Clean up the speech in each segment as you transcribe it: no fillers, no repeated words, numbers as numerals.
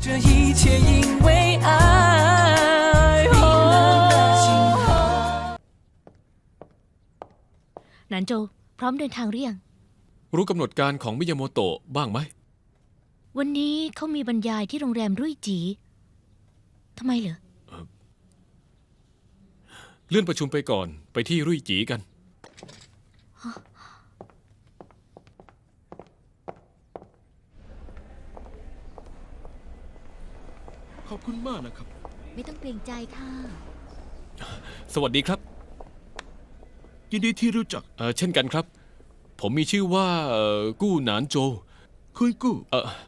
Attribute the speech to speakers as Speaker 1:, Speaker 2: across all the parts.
Speaker 1: 这一切因为爱。
Speaker 2: หนานโจพร้อมเดินทางหรือยัง
Speaker 3: รู้กำหนดการของมิยาโมโตะบ้างไหม
Speaker 2: วันนี้เขามีบรรยายที่โรงแรมรุ่ยจีทำไมเหรอ
Speaker 3: เลื่อนประชุมไปก่อนไปที่รุ่ยจีกัน
Speaker 4: ขอบคุณมากนะครับ
Speaker 2: ไม่ต้องเกรงใจค่ะ
Speaker 3: สวัสดีครับ
Speaker 4: ยินดีที่รู้จัก
Speaker 3: เช่นกันครับผมมีชื่อว่ากู้หนานโจ
Speaker 4: คุณกู้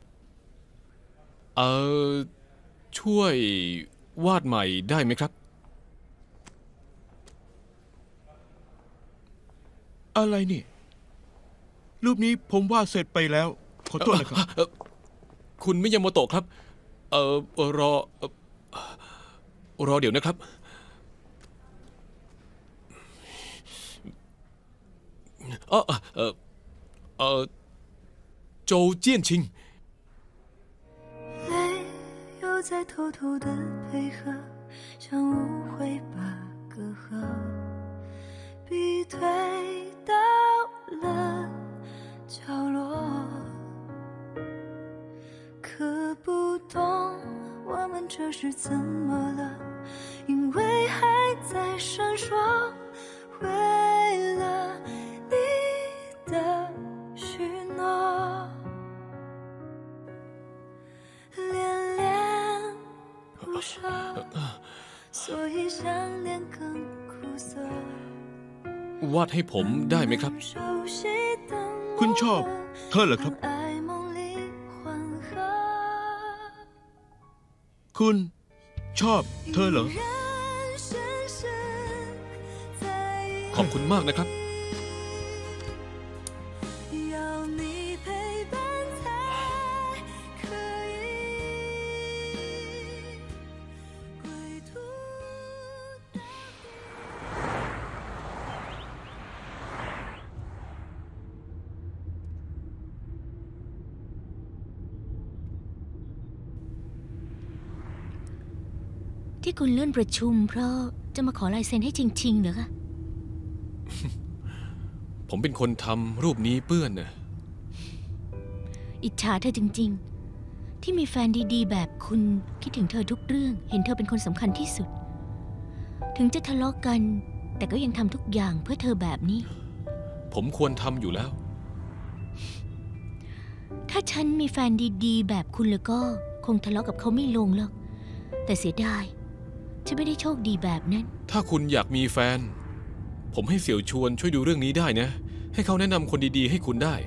Speaker 3: ช่วยวาดใหม่ได้ไหมครับ
Speaker 4: อะไรนี่รูปนี้ผมวาดเสร็จไปแล้วขอโทษนะครับ
Speaker 3: คุณมิยาโมโตะครับรอเดี๋ยวนะครับโจเจี้ยนชิง
Speaker 1: 泪又在偷偷的配合，像误会把隔阂逼退到了角落。可不懂我们这是怎么了，因为还在闪烁，为了你的许诺。不舍，所以想念更苦涩。
Speaker 3: วาดให้ผมได้ไหมครับ
Speaker 4: คุณชอบเธอเหรอครับคุณชอบเธอเหรอ
Speaker 3: ขอบคุณมากนะครับ
Speaker 2: ที่คุณเลื่อนประชุมเพราะจะมาขอลายเซ็นให้จริงๆเหรอคะ
Speaker 3: ผมเป็นคนทำรูปนี้เปื้อนนะ
Speaker 2: อิจฉาเธอจริงๆที่มีแฟนดีๆแบบคุณคิดถึงเธอทุกเรื่องเห็นเธอเป็นคนสำคัญที่สุดถึงจะทะเลาะกันแต่ก็ยังทำทุกอย่างเพื่อเธอแบบนี้
Speaker 3: ผมควรทำอยู่แล้ว
Speaker 2: ถ้าฉันมีแฟนดีๆแบบคุณแล้วก็คงทะเลาะกับเขาไม่ลงหรอกแต่เสียดายฉันไม่ได้โชคดีแบบนั้น
Speaker 3: ถ้าคุณอยากมีแฟนผมให้เสี่ยวชวนช่วยดูเรื่องนี้ได้นะให้เขาแนะนำคนดีๆให้คุณได้